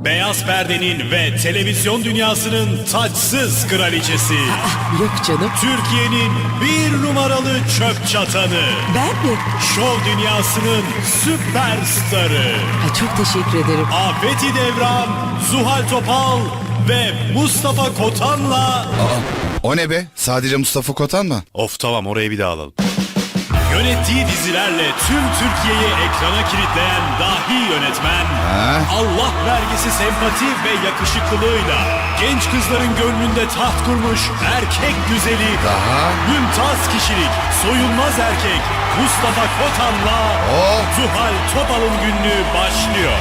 Beyaz perdenin ve televizyon dünyasının taçsız kraliçesi. Yok canım. Türkiye'nin bir numaralı çöp çatanı. Ben mi? Şov dünyasının süperstarı. Çok teşekkür ederim. Afeti Devran, Zuhal Topal ve Mustafa Kotan'la... O ne be? Sadece Mustafa Kotan mı? Of tamam, orayı bir daha alalım. Yönettiği dizilerle tüm Türkiye'yi ekrana kilitleyen dahi yönetmen, Allah vergisi sempati ve yakışıklılığıyla genç kızların gönlünde taht kurmuş erkek güzeli, mümtaz kişilik, soyulmaz erkek Mustafa Kotan'la Zuhal Topal'ın günlüğü başlıyor.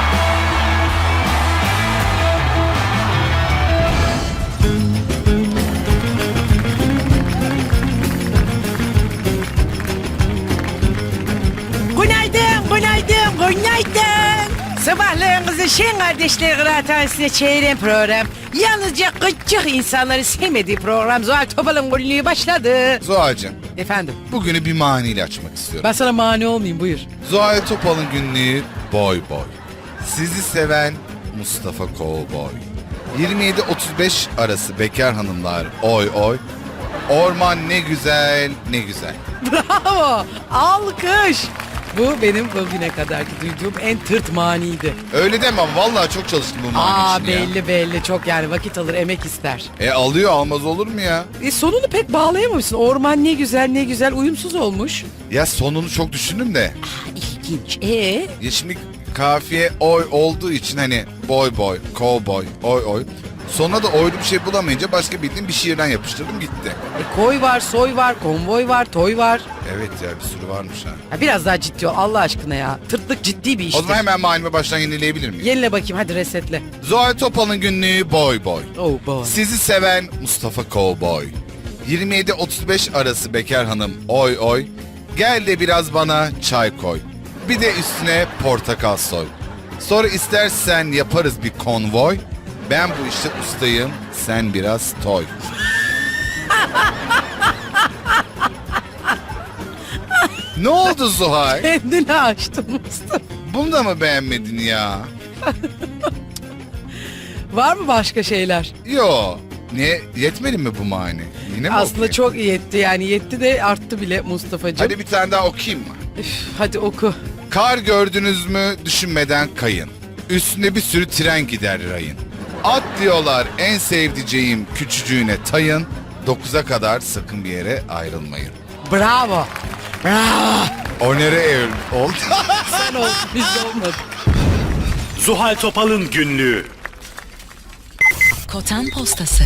Günaydın. Sabahlarınızı Şen Kardeşler Kıraathanesi'ne çeviren program. Yalnızca küçük insanları sevmediği program Zuhal Topal'ın günlüğü başladı. Zuhal'cığım, Efendim? bugünü bir maniyle açmak istiyorum. Ben sana mani olmayayım, buyur. Zuhal Topal'ın günlüğü boy boy. Sizi seven Mustafa Kovboy. 27-35 arası bekar hanımlar oy oy. Orman ne güzel ne güzel. Bravo. Alkış. Bu benim bugüne kadarki duyduğum en tırt maniydi. Öyle deme ama vallahi çok çalıştım bu mani için ya. Belli çok, yani vakit alır, emek ister. Alıyor, almaz olur mu ya? Sonunu pek bağlayamamışsın. Orman ne güzel uyumsuz olmuş. Ya sonunu çok düşündüm de. İlginç. Ya şimdi kafiye oy olduğu için hani boy boy, cowboy, oy oy. Sonra da oylu bir şey bulamayınca başka bildiğim bir şiirden yapıştırdım gitti. Koy var, soy var, konvoy var, toy var. Evet ya, bir sürü varmış ha. Ya biraz daha ciddi ol Allah aşkına ya. Tırtlık ciddi bir iştir. O zaman hemen manimi baştan yenileyebilir miyim? Yenile bakayım, hadi resetle. Zuhal Topal'ın günlüğü boy boy. Oh boy. Sizi seven Mustafa Cowboy. 27-35 arası bekar hanım oy oy. Gel de biraz bana çay koy. Bir de üstüne portakal soy. Sonra istersen yaparız bir konvoy. Ben bu işte ustayım, sen biraz toy. Ne oldu Zuhal? Kendini açtın Mustafa. Bunu da mı beğenmedin ya? Var mı başka şeyler? Yo. Ne, yetmedi mi bu mani? Yine mi Aslında okuyayım? çok yetti, yani yetti de arttı bile Mustafa'cığım. Hadi bir tane daha okuyayım mı? Hadi oku. Kar gördünüz mü düşünmeden kayın. Üstüne bir sürü tren gider rayın. At diyorlar en sevdiceğim küçücüğüne tayın. 9'a kadar sakın bir yere ayrılmayın. Bravo. Bravo. Onere oldu. Sen ol, biz de olmadı. Zuhal Topal'ın günlüğü. Kotan Postası.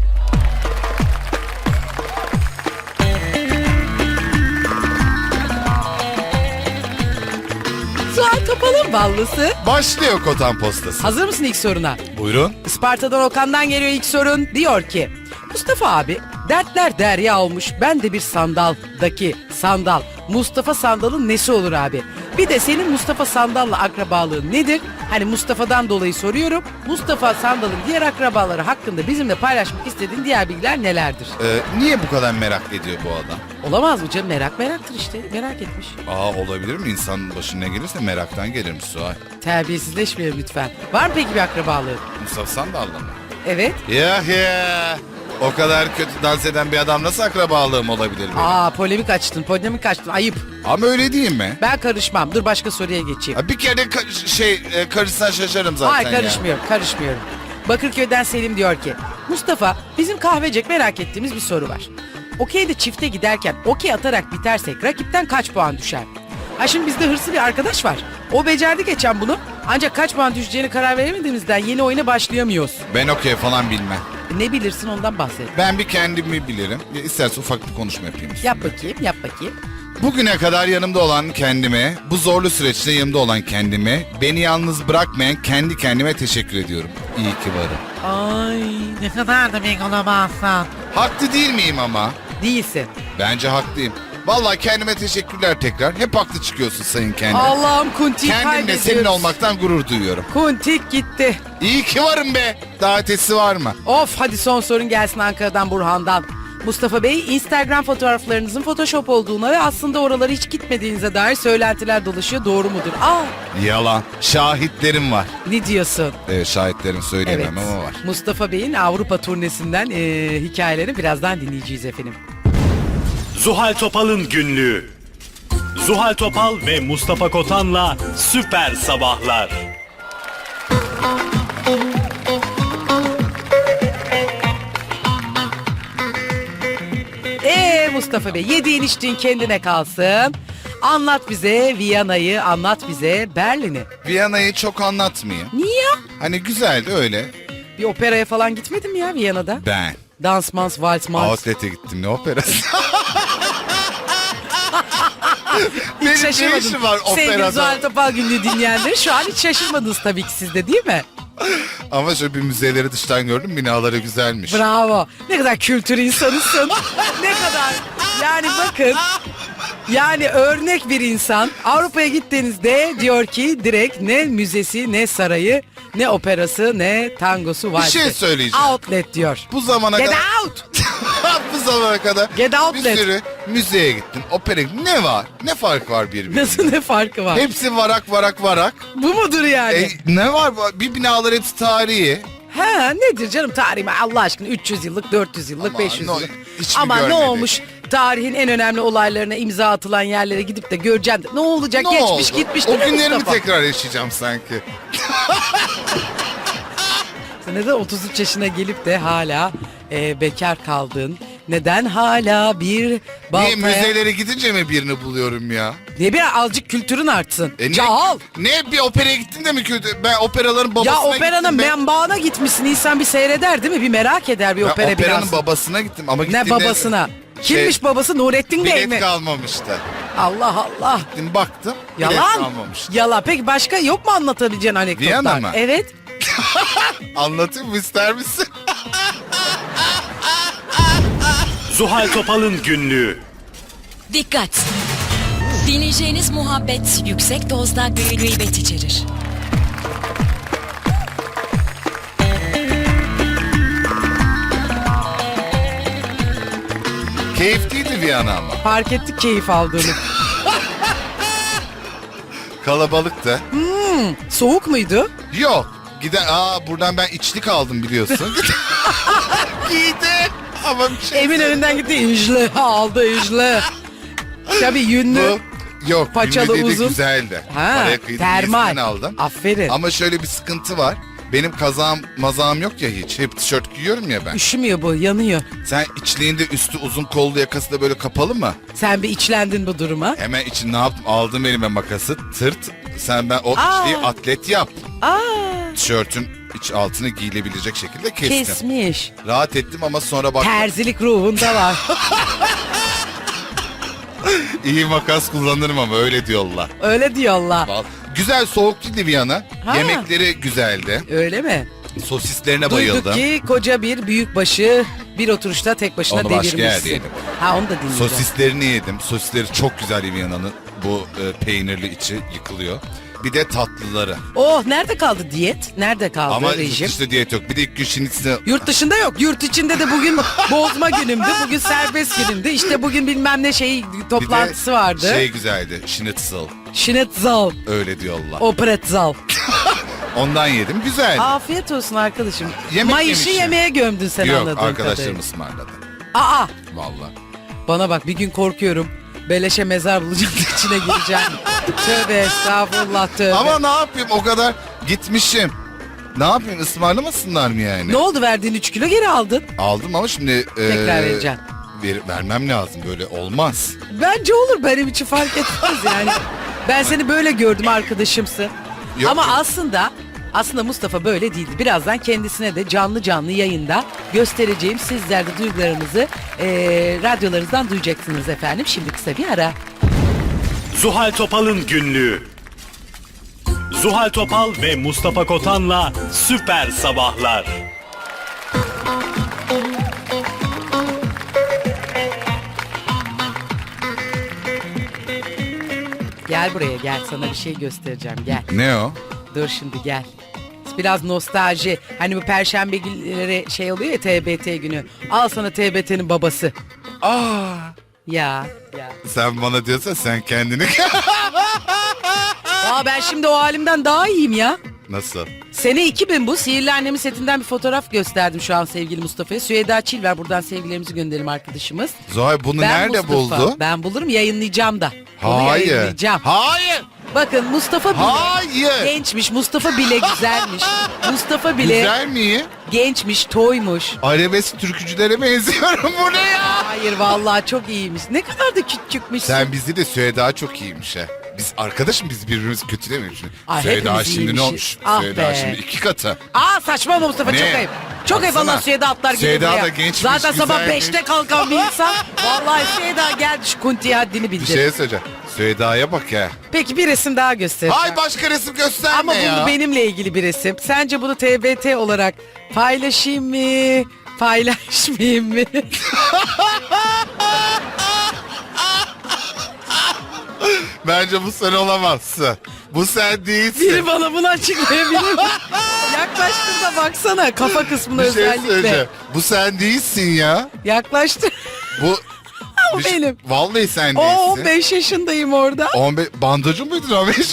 Zuhal Topal'ın ballısı. Başlıyor Kotan Postası. Hazır mısın ilk soruna? Buyurun. Isparta'dan Okan'dan geliyor ilk sorun. Diyor ki, Mustafa abi, dertler derya olmuş, ben de bir sandaldaki sandal. Mustafa Sandal'ın nesi olur abi? Bir de senin Mustafa Sandal'la akrabalığın nedir? Hani Mustafa'dan dolayı soruyorum. Mustafa Sandal'ın diğer akrabaları hakkında bizimle paylaşmak istediğin diğer bilgiler nelerdir? Niye bu kadar merak ediyor bu adam? Olamaz mı canım? Meraktır işte. Merak etmiş. Olabilir mi? İnsanın başına gelirse meraktan gelirmiş Suhay. Terbiyesizleşmeyelim lütfen. Var mı peki bir akrabalığı? Mustafa Sandal'la mı? Evet. Ya. O kadar kötü dans eden bir adam nasıl akrabalığım olabilir benim? Polemik açtın. Ayıp. Ama öyle değil mi? Ben karışmam. Dur başka soruya geçeyim. Bir kere karışsan şaşarım zaten Hayır, karışmıyorum. Bakırköy'den Selim diyor ki, Mustafa, bizim kahvecek merak ettiğimiz bir soru var. Okey'de çifte giderken okey atarak bitersek rakipten kaç puan düşer? Şimdi bizde hırslı bir arkadaş var. O becerdi geçen bunu. Ancak kaç puan düşeceğini karar veremediğimizden yeni oyuna başlayamıyoruz. Ben okey falan bilmem. Ne bilirsin, ondan bahset. Ben bir kendimi bilirim. İstersen ufak bir konuşma yapayım. Yap bakayım. Bugüne kadar yanımda olan kendime, bu zorlu süreçte yanımda olan kendime, beni yalnız bırakmayan kendi kendime teşekkür ediyorum. İyi ki varım. Ay, ne kadar da ben olamazsın. Haklı değil miyim ama? Değilsin. Bence haklıyım. Vallahi kendime teşekkürler tekrar. Hep haklı çıkıyorsun sayın kendim. Allah'ım, Kuntik Kendimle kaybediyoruz. senin olmaktan gurur duyuyorum. Kuntik gitti. İyi ki varım be. Daha ötesi var mı? Of, hadi son sorun gelsin Ankara'dan Burhan'dan. Mustafa Bey, Instagram fotoğraflarınızın Photoshop olduğuna ve aslında oralara hiç gitmediğinize dair söylentiler dolaşıyor. Doğru mudur? Yalan. Şahitlerim var. Ne diyorsun? Şahitlerim söyleyemem ama var. Mustafa Bey'in Avrupa turnesinden hikayelerini birazdan dinleyeceğiz efendim. Zuhal Topal'ın günlüğü. Zuhal Topal ve Mustafa Kotan'la Süper Sabahlar. Mustafa Bey, yediğin içtiğin kendine kalsın. Anlat bize Viyana'yı, anlat bize Berlin'i. Viyana'yı çok anlatmayayım. Niye? Hani güzeldi öyle. Bir operaya falan gitmedim ya Viyana'da. Ben. Dans, mans, vals, mans. Outlet'e gittim, ne operası? Hiç Benim ne şaşırmadım. işim var Sevgili operada? Zuhal Topal günlüğü dinleyenleri şu an hiç şaşırmadınız tabii ki siz de, değil mi? Ama şöyle bir müzeleri dıştan gördüm, binaları güzelmiş. Bravo. Ne kadar kültür insanısın. Ne kadar. Yani bakın. Yani örnek bir insan. Avrupa'ya gittiğinizde diyor ki direkt ne müzesi, ne sarayı, ne operası, ne tangosu var. Bir şey söyleyeceğim. Outlet diyor. Bu zamana Get kadar... out. Bu zamana kadar Get bir outlet. sürü müzeye gittim, operaya gittim. Ne var? Ne fark var birbirinden? Nasıl, ne farkı var? Hepsi varak varak varak. Bu mudur yani? Ne var? Bir binalar hepsi tarihi. Ha, nedir canım tarihi? Allah aşkına 300 yıllık, 400 yıllık, Ama 500 no, yıllık. hiç mi Ama ne görmedik? olmuş? Tarihin en önemli olaylarına imza atılan yerlere gidip de göreceksin. Ne olacak? Ne Geçmiş oldu? gitmiş. O değil mi günlerimi Mustafa? tekrar yaşayacağım sanki. Sen neden 33 yaşına gelip de hala bekar kaldın? Neden hala bir Niye baltaya... müzelere gidince mi birini buluyorum ya? Niye bir azıcık kültürün artsın? Ne, Cahal. Ne bir operaya gittin de mi kötü? Ben operaların babasına Ya gittim. operanın menbaına gitmişsin. İnsan bir seyreder değil mi? Bir merak eder bir Ben opera operanın biraz. babasına gittim ama gittiğimde... Ne babasına? Kimmiş babası? Nurettin Bey Bilet mi? kalmamıştı. Allah Allah. Gittim baktım. Bilet Yalan. kalmamıştı. Yalan. Peki başka yok mu anlatabileceğin anekdotlar? Viyana mı? Evet. Anlatayım mı, ister misin? Zuhal Topal'ın günlüğü. Dikkat! Dinleyeceğiniz muhabbet yüksek dozda gıybet içerir. Keyifliydi Viyana ama. Fark ettik keyif aldığını. Kalabalıktı. Soğuk muydu? Yok. Buradan ben içlik aldım biliyorsun. Giydi. Ama bir şey Eminönü'nden gitti. İjle aldı İjle. Tabii yünlü. Yok. Paçalı ünlü dedi, uzun. güzeldi. Ha, Paraya kıydım, termal. iyisinden aldım. Aferin. Ama şöyle bir sıkıntı var. Benim mazağım yok ya hiç. Hep tişört giyiyorum ya ben. Üşümüyor bu, yanıyor. Sen içliğinde üstü uzun kollu, yakası da böyle kapalı mı? Sen bir içlendin bu duruma. Hemen için ne yaptım? Aldım elime makası, tırt. Ben o Aa. içliği atlet yap. Aa, Tişörtün iç altını giyilebilecek şekilde kestim. kesmiş. Rahat ettim ama sonra baktım. Terzilik ruhunda var. İyi makas kullanırım ama öyle diyorlar. Öyle diyorlar. Güzel, soğuk değildi Viyana. Ha. Yemekleri güzeldi. Öyle mi? Sosislerine Duyduk bayıldım. ki koca bir büyükbaşı bir oturuşta tek başına Onu başka devirmişsin. yerde yedim. Ha, onu da dinleyeceğim. Sosislerini yedim. Sosisleri çok güzel Viyana'nın. Bu peynirli içi yıkılıyor. Bir de tatlıları. Oh, nerede kaldı diyet? Nerede kaldı Ama rejim? işte diyet yok. Bir de ilk gün şinitsi... Yurt dışında yok. Yurt içinde de bugün bozma günümdü. Bugün serbest günümdü. İşte bugün bilmem ne toplantısı vardı. Şey güzeldi. Schnitzel. Schnitzel. Öyle diyorlar. O pretzel. Ondan yedim. Güzeldi. Afiyet olsun arkadaşım. Yemek Mayışı yemişim. yemeğe gömdün sen Yok, anladığım arkadaşlarım kadarıyla. ısmarladı. Aa, Vallahi. bana bak, bir gün korkuyorum. Beleşe mezar bulacağım, içine gireceğim. Tövbe estağfurullah, tövbe. Ama ne yapayım, o kadar gitmişim. Ne yapayım, ısmarlamasınlar mı yani? Ne oldu, verdiğin 3 kilo geri aldın? Aldım ama şimdi... Tekrar vereceksin. Vermem lazım, böyle olmaz. Bence olur, benim için fark etmez yani. Ben seni böyle gördüm, arkadaşımsın. Yok, Ama yok. aslında Mustafa böyle değildi. Birazdan kendisine de canlı yayında göstereceğim. Sizler de duygularınızı radyolarınızdan duyacaksınız efendim. Şimdi kısa bir ara. Zuhal Topal'ın günlüğü. Zuhal Topal ve Mustafa Kotan'la Süper Sabahlar. Gel buraya, gel, sana bir şey göstereceğim, gel. Ne o? Dur şimdi, gel. Biraz nostalji. Hani bu perşembe günleri şey oluyor ya, TBT günü. Al sana TBT'nin babası. Aa, Ya. sen bana diyorsan sen kendini... Aa, ben şimdi o halimden daha iyiyim ya. Nasıl? Sene 2000 bu. Sihirli Annem'in setinden bir fotoğraf gösterdim şu an sevgili Mustafa'ya. Süheyda Çilver, buradan sevgilerimizi gönderelim arkadaşımız. Zuhal bunu Ben nerede Mustafa. buldu? Ben bulurum, yayınlayacağım da. Onu Hayır. yayınlayacağım. Hayır. Bakın Mustafa bile Hayır. gençmiş. Mustafa bile güzelmiş. Mustafa bile Güzel miyim? gençmiş, toymuş. Arabesk türkücülere benziyorum, bu ne ya? Hayır vallahi çok iyiymiş. Ne kadar da küçükmüşsün. Sen bizi de Süheyda çok iyiymiş ha. Biz arkadaşım, biz birbirimizi kötülemiyoruz. Ay, Süheyda hepimiz şimdi ne iyiymişiz. olmuş? Ah Süheyda be. şimdi 2 katı. Aa, saçmalama Mustafa, Ne? çok ayıp. Çok ayıp, Baksana. Allah Süheyda atlar gelir Süheyda buraya. da gençmiş, Zaten sabah güzelmiş. 5'te kalkan bir insan. Vallahi Süheyda geldi, şu kuntiye haddini Bir bildir. şey söyleyeceğim. Süheyda'ya bak ya. Peki bir resim daha göstereceğim. Hay, başka resim gösterme Ama ya. bu benimle ilgili bir resim. Sence bunu TBT olarak paylaşayım mı? Paylaşmayayım mı? Bence bu sen olamazsın. Bu sen değilsin. Biri bana bunu açıklayabilir mi? Yaklaştır da baksana kafa kısmına Bir şey özellikle. söyleyeceğim. Bu sen değilsin ya. Yaklaştır. Bu O bir şey- benim. Vallahi sen O değilsin. 15 yaşındayım orada. 15 bandacı mıydın 15 yaş?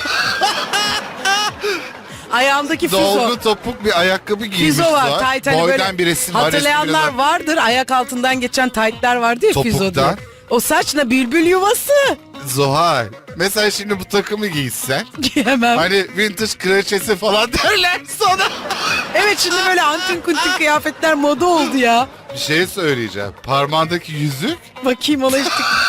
Ayağımdaki füzo. Dolgu topuk bir ayakkabı giymiş. Füzo var. Zuhal. Tayt hani Boydan böyle bir resim var. hatırlayanlar resim vardır. Ayak altından geçen taytlar vardı ya Topuktan. füzo diye. O saçla bülbül yuvası. Zuhal. Mesela şimdi bu takımı giysen. Giyemem. Hani vintage kraliçesi falan derler sana. Evet, şimdi böyle antin kuntin kıyafetler moda oldu ya. Bir şey söyleyeceğim. Parmağındaki yüzük. Bakayım ona işte.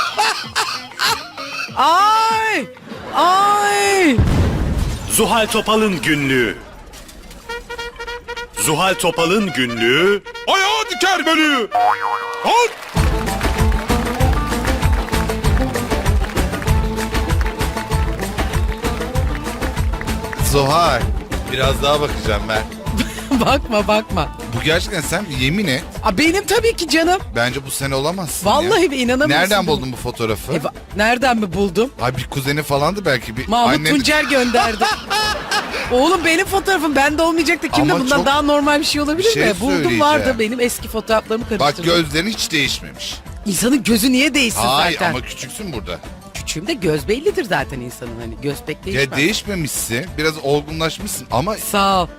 Ay! Ay! Zuhal Topal'ın günlüğü. Zuhal Topal'ın günlüğü. Ayağı diker beni. Halt! Zuhal. Biraz daha bakacağım ben. Bakma. Bu gerçekten sen, yemin et. Aa, benim tabii ki canım. Bence bu sen olamazsın Vallahi ya. bir inanamıyorsun. Nereden buldun bu fotoğrafı? Nereden mi buldum? Ay, bir kuzeni falandı belki. Bir Mahmut annen- Tuncer gönderdi. Oğlum benim fotoğrafım bende olmayacak da kimde, Ama bundan çok- daha normal bir şey olabilir Bir şey mi? Buldum, söyleyeceğim. vardı, benim eski fotoğraflarımı Bak, karıştırdım. gözlerin hiç değişmemiş. İnsanın gözü niye değişsin Ay zaten? ama küçüksün burada. Küçüğümde göz bellidir zaten insanın, hani göz pek değişmez. Ya değişmemişsin. Biraz olgunlaşmışsın ama Sağ ol.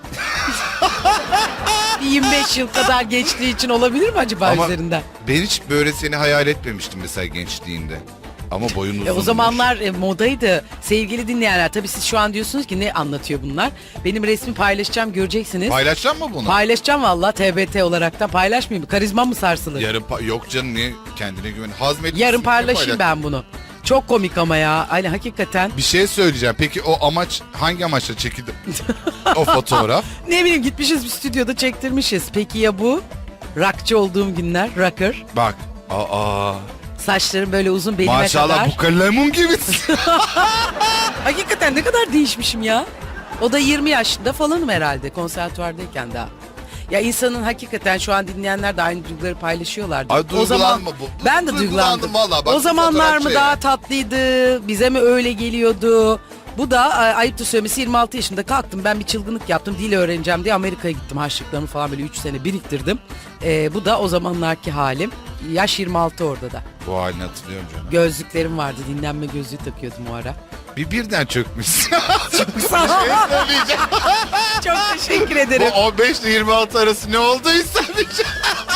Bir 25 yıl kadar geçtiği için olabilir mi acaba Ama üzerinden? ben hiç böyle seni hayal etmemiştim mesela gençliğinde. Ama boyun uzunmuş. O zamanlar modaydı. Sevgili dinleyenler, tabii siz şu an diyorsunuz ki ne anlatıyor bunlar? Benim resmi paylaşacağım, göreceksiniz. Paylaşacak mı bunu? Paylaşacağım valla, TBT olaraktan paylaşmayayım mı? Karizmam mı sarsılır? Yok canım, niye kendine güven? Hazmetmişsin. Yarın niye paylaşayım ben bunu. Çok komik ama ya. Hani hakikaten. Bir şey söyleyeceğim. Peki o amaç, hangi amaçla çekildi o fotoğraf? Ne bileyim, gitmişiz bir stüdyoda çektirmişiz. Peki ya bu? Rockçı olduğum günler, rocker. Bak. Aa. Saçlarım böyle uzun, belime Maşallah kadar. bu kalemun gibisin. Hakikaten ne kadar değişmişim ya. O da 20 yaşında falanım herhalde, konservatuvardayken daha. Ya insanın hakikaten, şu an dinleyenler de aynı duyguları paylaşıyorlardı. Ay, duygulanma bu. Ben de Duygulandım duygulandım. valla. Bak, O bu zamanlar mı fotoğraf daha şey. tatlıydı, bize mi öyle geliyordu? Bu da ayıptır söylemesi, 26 yaşında kalktım, ben bir çılgınlık yaptım, dil öğreneceğim diye Amerika'ya gittim, harçlıklarımı falan böyle 3 sene biriktirdim. Bu da o zamanlarki halim. Yaş 26 orada da. Bu halini hatırlıyorum canım. Gözlüklerim vardı, dinlenme gözlüğü takıyordum o ara. Birden çökmüşsün. Sağ ol. Söyleyeceğim. Çok teşekkür Bu ederim. 15 ile 26 arası ne olduysa diyeceğim.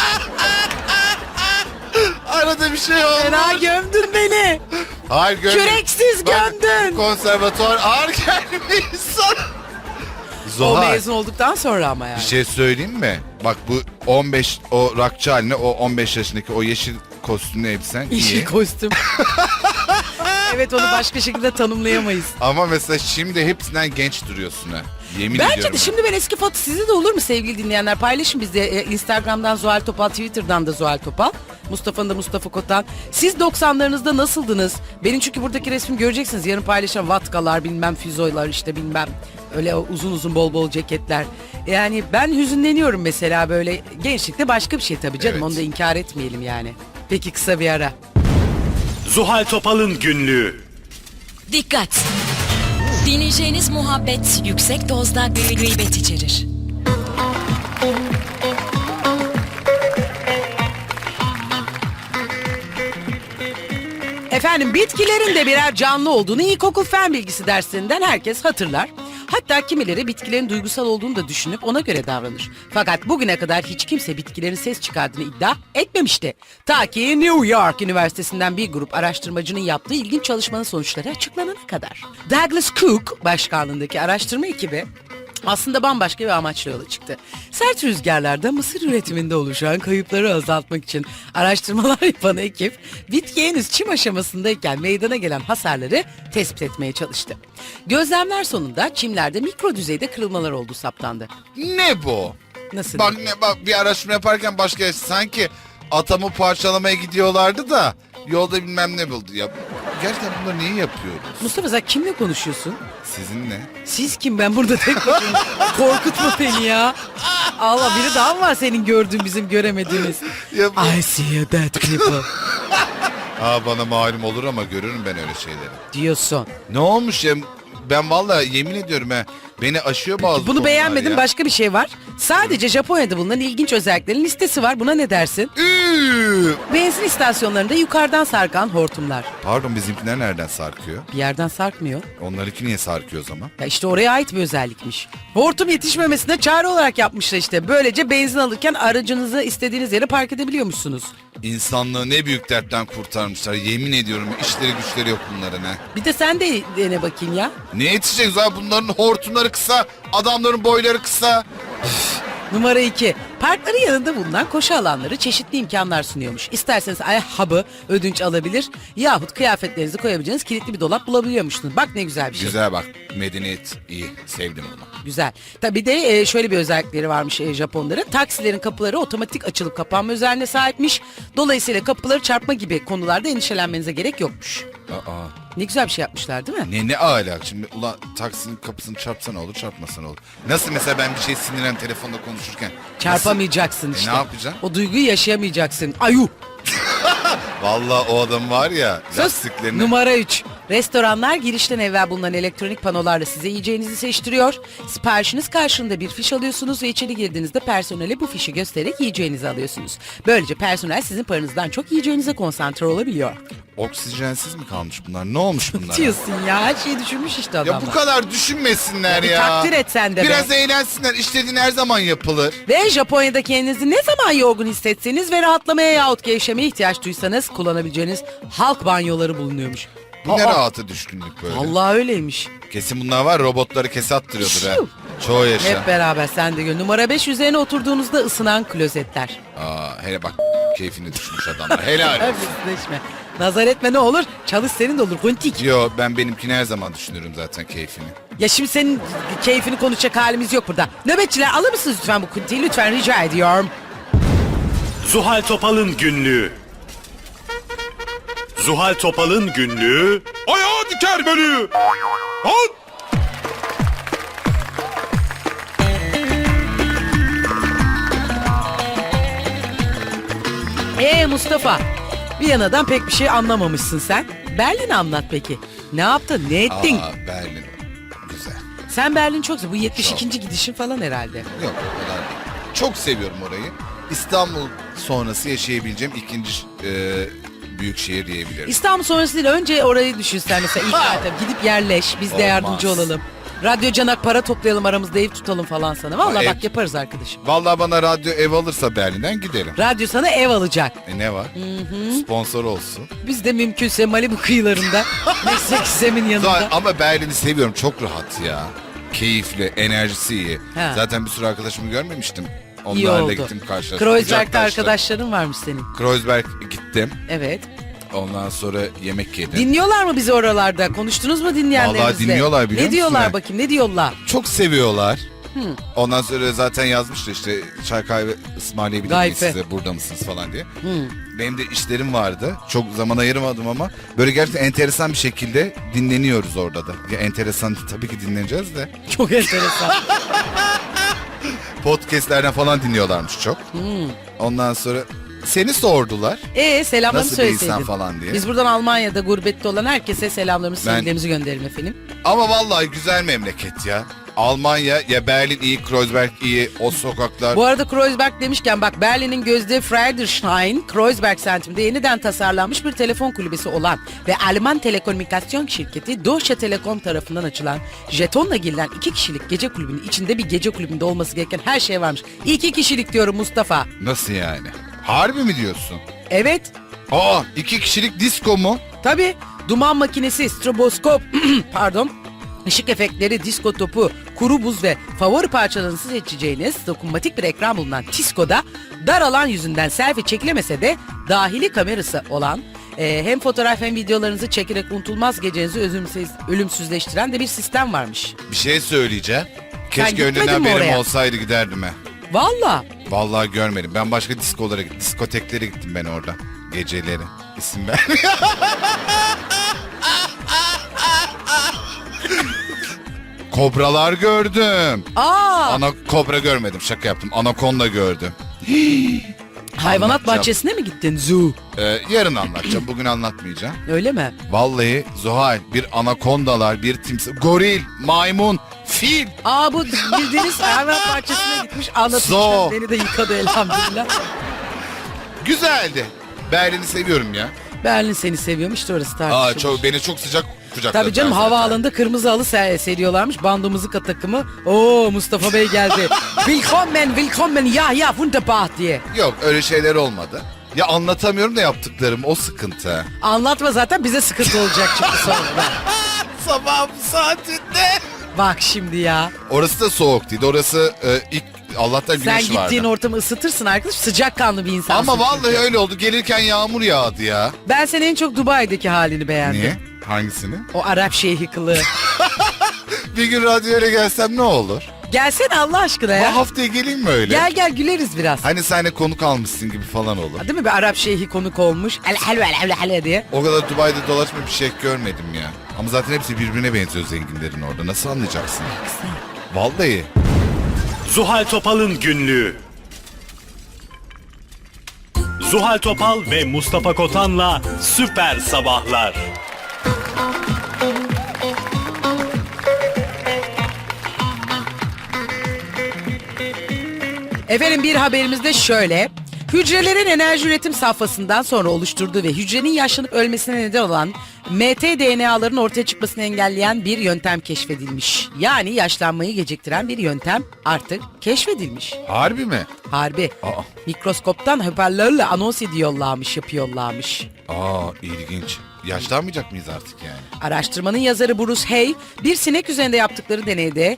Arada bir şey oldu. Fena gömdün beni. Hayır, Küreksiz gömdün. Konservatuvar ağır gelmiş sana. O Zuhal, mezun olduktan sonra ama yani. bir şey söyleyeyim mi? Bak, bu 15, o rockçı haline, o 15 yaşındaki o yeşil kostümlü elbisen Yeşil iyi. kostüm. Evet, onu başka şekilde tanımlayamayız. Ama mesela şimdi hepsinden genç duruyorsun ha. Yemin Bence ediyorum. de şimdi ben eski foto, sizde de olur mu sevgili dinleyenler? Paylaşın bizde. Instagram'dan Zuhal Topal, Twitter'dan da Zuhal Topal. Mustafa'nın da Mustafa Kotan. Siz 90'larınızda nasıldınız? Benim çünkü buradaki resmi göreceksiniz. Yarın paylaşan vatkalar, bilmem füzoylar, işte bilmem öyle uzun uzun bol bol ceketler. Yani ben hüzünleniyorum mesela, böyle gençlikte başka bir şey tabii canım. Evet. Onu da inkar etmeyelim yani. Peki, kısa bir ara. Zuhal Topal'ın günlüğü. Dikkat! Dinleyeceğiniz muhabbet yüksek dozda gıybet içerir. Efendim bitkilerin de birer canlı olduğunu ilkokul fen bilgisi dersinden herkes hatırlar. Hatta kimileri bitkilerin duygusal olduğunu da düşünüp ona göre davranır. Fakat bugüne kadar hiç kimse bitkilerin ses çıkardığını iddia etmemişti. Ta ki New York Üniversitesi'nden bir grup araştırmacının yaptığı ilginç çalışmanın sonuçları açıklanana kadar. Douglas Cook başkanlığındaki araştırma ekibi aslında bambaşka bir amaçla yola çıktı. Sert rüzgarlarda mısır üretiminde oluşan kayıpları azaltmak için araştırmalar yapan ekip bitki henüz çim aşamasındayken meydana gelen hasarları tespit etmeye çalıştı. Gözlemler sonunda çimlerde mikro düzeyde kırılmalar olduğu saptandı. Ne bu? Nasıl? Bak bir araştırma yaparken başka sanki atamı parçalamaya gidiyorlardı da yolda bilmem ne buldu ya. Gerçekten bunları niye yapıyoruz? Mustafa sen kimle konuşuyorsun? Sizinle. Siz kim? Ben burada tek başıma. Korkutma beni ya. Allah biri daha mı var senin gördüğün bizim göremediğimiz? Ya bu- I see a dead people Bana malum olur ama görürüm ben öyle şeyleri. diyorsun. Ne olmuş ya? Ben vallahi yemin ediyorum beni aşıyor bazı Bunu konular beğenmedim. ya. Başka bir şey var. Sadece Japonya'da bulunan ilginç özelliklerin listesi var. Buna ne dersin? Benzin istasyonlarında yukarıdan sarkan hortumlar. Pardon bizimkiler nereden sarkıyor? Bir yerden sarkmıyor. Onlarınki niye sarkıyor o zaman? Ya işte oraya ait bir özellikmiş. Hortum yetişmemesine çare olarak yapmışlar işte. Böylece benzin alırken aracınızı istediğiniz yere park edebiliyormuşsunuz. İnsanlığı ne büyük dertten kurtarmışlar. Yemin ediyorum işleri güçleri yok bunların ha. Bir de sen de dene bakayım ya. Ne yetişecek zaten bunların hortumları kısa, adamların boyları kısa. Numara 2. Parkların yanında bulunan koşu alanları çeşitli imkanlar sunuyormuş. İsterseniz ayakkabı ödünç alabilir yahut kıyafetlerinizi koyabileceğiniz kilitli bir dolap bulabiliyormuşsunuz. Bak ne güzel bir şey. Güzel bak, medeniyet iyi, sevdim bunu. Güzel. Tabii de şöyle bir özellikleri varmış Japonların. Taksilerin kapıları otomatik açılıp kapanma özelliğine sahipmiş. Dolayısıyla kapıları çarpma gibi konularda endişelenmenize gerek yokmuş. Aa, Ne güzel bir şey yapmışlar değil mi? ne alak şimdi ulan taksinin kapısını çarpsa ne olur çarpmasa ne olur. Nasıl mesela ben bir şey sinirlen telefonda konuşurken. Çarpamayacaksın Nasıl? işte. Ne yapacaksın? O duyguyu yaşayamayacaksın. Ayu. Vallahi o adam var ya Sus. lastiklerini. Numara 3. Restoranlar girişten evvel bulunan elektronik panolarla size yiyeceğinizi seçtiriyor. Siparişiniz karşılığında bir fiş alıyorsunuz ve içeri girdiğinizde personele bu fişi göstererek yiyeceğinizi alıyorsunuz. Böylece personel sizin paranızdan çok yiyeceğinize konsantre olabiliyor. Oksijensiz mi kalmış bunlar? Ne olmuş bunlar? Diyorsun ya her şeyi düşünmüş işte adamlar. Ya bu kadar düşünmesinler Ya bir ya. takdir et sen de be. Biraz eğlensinler. İstediğin her zaman yapılır. Ve Japonya'da kendinizi ne zaman yorgun hissetseniz ve rahatlamaya yahut gevşemeye ihtiyaç duysanız kullanabileceğiniz halk banyoları bulunuyormuş. Bu ne Aa, rahata düşkünlük böyle. Allah öyleymiş. Kesin bunlar var robotları kese attırıyordur ha. Şiu. Çoğu yaşa. Hep beraber sen de gör. Numara 5 üzerine oturduğunuzda ısınan klozetler. Hele bak keyfini düşmüş adamlar. Helal olsun. Hafifleşme. Nazar etme ne olur. Çalış senin de olur. Kuntik. Yo ben benimkini her zaman düşünürüm zaten keyfini. Ya şimdi senin keyfini konuşacak halimiz yok burada. Nöbetçiler alır mısınız lütfen bu kuntiyi? Lütfen rica ediyorum. Zuhal Topal'ın günlüğü. Zuhal Topal'ın günlüğü. Ayağı diker beni. Halt! Mustafa. Viyana'dan pek bir şey anlamamışsın sen. Berlin'i anlat peki. Ne yaptın? Ne ettin? Berlin. Güzel. Sen Berlin çok sev. Bu 72. gidişin falan herhalde. Yok o kadar değil. Çok seviyorum orayı. İstanbul sonrası yaşayabileceğim ikinci büyük şehir diyebilirim. İstanbul sonrası değil. Önce orayı düşün sen mesela. İlk etap gidip yerleş. Biz de Olmaz. yardımcı olalım. Radyo Canak para toplayalım aramızda ev tutalım falan sana. Vallahi Ev- bak yaparız arkadaşım. Vallahi bana radyo ev alırsa Berlin'den giderim. Radyo sana ev alacak. Ne var? Sponsor olsun. Biz de mümkünse Malibu kıyılarında. Meslek Sem'in yanında. Zaten, ama Berlin'i seviyorum. Çok rahat ya. Keyifli, enerjisi iyi. Ha. Zaten bir sürü arkadaşımı görmemiştim. İyi Onlarla oldu. gittim karşılaştım. Kreuzberg'de Kucaklaştım. arkadaşların varmış senin. Kreuzberg gittim. Evet. Ondan sonra yemek yedim. Dinliyorlar mı bizi oralarda? Konuştunuz mu dinleyenlerinizle? Vallahi dinliyorlar, biliyor Ne diyorlar musun? bakayım ne diyorlar? Çok seviyorlar. Ondan sonra zaten yazmıştı işte çay kahve ısmarlayabilir miyiz Gayfe. size burada mısınız falan diye. Benim de işlerim vardı. Çok zaman ayırmadım ama böyle gerçekten enteresan bir şekilde dinleniyoruz orada da. Ya enteresan tabii ki dinleneceğiz de. Çok enteresan. Podcastlerden falan dinliyorlarmış çok. Ondan sonra Seni sordular. Selamlarımı Nasıl bir insan söyleseydin. falan diye. Biz buradan Almanya'da gurbette olan herkese selamlarımızı, Ben- sevgilerimizi gönderelim efendim. Ama vallahi güzel memleket ya. Almanya ya, Berlin iyi, Kreuzberg iyi, o sokaklar. Bu arada Kreuzberg demişken bak, Berlin'in gözde Friedrichshain Kreuzberg semtinde yeniden tasarlanmış bir telefon kulübesi olan ve Alman telekomünikasyon şirketi Deutsche Telekom tarafından açılan jetonla girilen 2 kişilik gece kulübünün içinde bir gece kulübünde olması gereken her şey varmış. 2 kişilik diyorum Mustafa. Nasıl yani? Harbi mi diyorsun? Evet, 2 kişilik disco mu? tabii, duman makinesi, stroboskop, pardon, ışık efektleri, disko topu, kuru buz ve favori parçalarınızı seçeceğiniz dokunmatik bir ekran bulunan Tisco'da dar alan yüzünden selfie çekilemese de dahili kamerası olan hem fotoğraf hem videolarınızı çekerek unutulmaz gecenizi ölümsüzleştiren de bir sistem varmış. Bir şey söyleyeceğim. Keşke gitmedin önceden mi haberim oraya? olsaydı giderdim he. Valla. Vallahi görmedim. Ben başka diskolara gittim. Diskoteklere gittim ben orada. Geceleri. İsim ver. Kobralar gördüm. Kobra görmedim. Şaka yaptım. Anakonda gördüm. Hayvanat anlatacağım. bahçesine mi gittin? Zoo. Yarın anlatacağım. Bugün anlatmayacağım. Öyle mi? Vallahi Zuhal, bir anakondalar, bir timsah, goril, maymun, fil. Bu bildiğiniz hayvanat bahçesine gitmiş, anlatırken Zoo. beni de yıkadı elhamdülillah. Güzeldi. Berlin'i seviyorum ya. Berlin seni seviyormuş, işte orası tartışılır. Beni çok sıcak kucakladılar. Tabii canım, zaten. havaalanında kırmızı halı seriyorlarmış. Bando muzika takımı. Mustafa Bey geldi. Willkommen, ya wunderbar diye. Yok, öyle şeyler olmadı. Ya anlatamıyorum da yaptıklarım, o sıkıntı. Anlatma, zaten bize sıkıntı olacak çünkü sonra. Sabah bu saatinde. Bak şimdi ya. Orası da soğuk değil. Orası ilk Allah'tan Sen güneş vardı. gittiğin ortamı ısıtırsın arkadaş. Sıcakkanlı bir insansın. Ama vallahi çünkü. öyle oldu. Gelirken yağmur yağdı ya. Ben senin en çok Dubai'deki halini beğendim. Niye? Hangisini? O Arap şeyhi kılığı. Bir gün radyoya gelsem ne olur? Gelsene Allah aşkına Bu ya. haftaya geleyim mi öyle? Gel güleriz biraz. Hani sen de konuk almışsın gibi falan olur. Değil mi, bir Arap şeyhi konuk olmuş. El diye. O kadar Dubai'de dolaşma bir şey görmedim ya. Ama zaten hepsi birbirine benziyor zenginlerin orada. Nasıl anlayacaksın? Vallahi. Zuhal Topal'ın günlüğü. Zuhal Topal ve Mustafa Kotan'la Süper Sabahlar. Efendim, bir haberimiz de şöyle. Hücrelerin enerji üretim safhasından sonra oluşturduğu ve hücrenin yaşlanıp ölmesine neden olan mtDNA'ların ortaya çıkmasını engelleyen bir yöntem keşfedilmiş. Yani yaşlanmayı geciktiren bir yöntem artık keşfedilmiş. Harbi mi? Harbi. Mikroskoptan hoparlörle anons yapıyorlarmış. İlginç. Yaşlanmayacak mıyız artık yani? Araştırmanın yazarı Bruce Hay, bir sinek üzerinde yaptıkları deneyde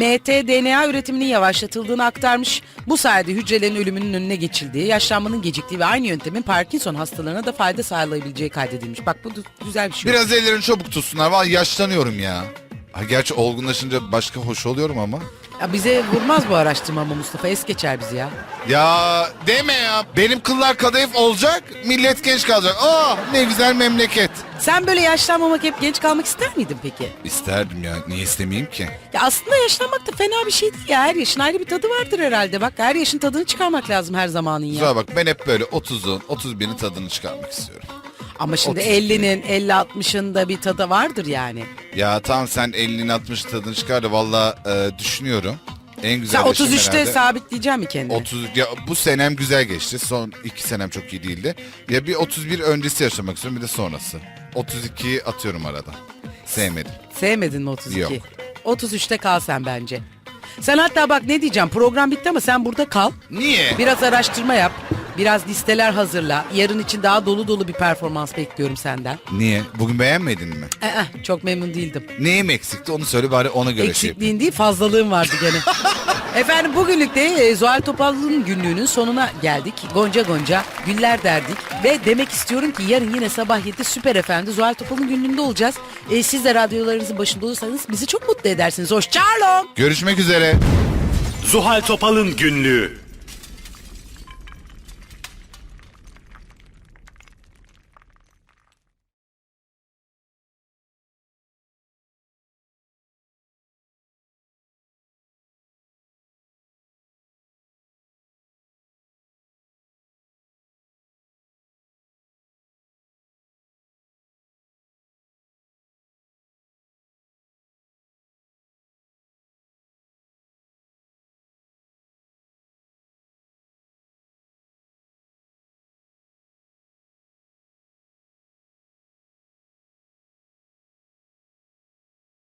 mtDNA üretiminin yavaşlatıldığını aktarmış. Bu sayede hücrelerin ölümünün önüne geçildiği, yaşlanmanın geciktiği ve aynı yöntemin Parkinson hastalarına da fayda sağlayabileceği kaydedilmiş. Bak, bu güzel bir şey. Biraz ellerini çabuk tutsunlar. Vallahi yaşlanıyorum ya. Gerçi olgunlaşınca başka hoş oluyorum ama. Ya bize vurmaz bu araştırma ama Mustafa, es geçer bizi ya. Ya deme ya. Benim kıllar kadayıf olacak. Millet genç kalacak. Ne güzel memleket. Sen böyle yaşlanmamak, hep genç kalmak ister miydin peki? İsterdim ya. Niye istemeyeyim ki? Ya aslında yaşlanmak da fena bir şey değil ya. Her yaşın ayrı bir tadı vardır herhalde. Bak, her yaşın tadını çıkarmak lazım her zamanın ya. Güzel bak, ben hep böyle 30'un 31'in tadını çıkarmak istiyorum. Ama şimdi 30 50'nin 50-60'ın da bir tadı vardır yani. Ya tamam, sen 50'nin 60'ın tadını çıkar da valla düşünüyorum. En güzel Sen yaşım 33'te herhalde sabitleyeceksin mi kendini? 30 ya, bu senem güzel geçti. Son 2 senem çok iyi değildi. Ya bir 31 öncesi yaşamak istiyorum, bir de sonrası. 32'yi atıyorum arada. Sevmedim. Sevmedin mi 32? Yok. 33'te kal sen bence. Sen hatta bak, ne diyeceğim, program bitti ama sen burada kal. Niye? Biraz araştırma yap. Biraz listeler hazırla. Yarın için daha dolu dolu bir performans bekliyorum senden. Niye? Bugün beğenmedin mi? Çok memnun değildim. Neyim eksikti onu söyle, bari ona göre şey yapayım. Eksikliğin değil, fazlalığın vardı gene. Efendim, bugünlük de Zuhal Topal'ın günlüğünün sonuna geldik. Gonca gonca güller derdik. Ve demek istiyorum ki yarın yine sabah 7 Süper FM'de Zuhal Topal'ın günlüğünde olacağız. Siz de radyolarınızın başında olursanız bizi çok mutlu edersiniz. Hoşçakalın. Görüşmek üzere. Zuhal Topal'ın günlüğü.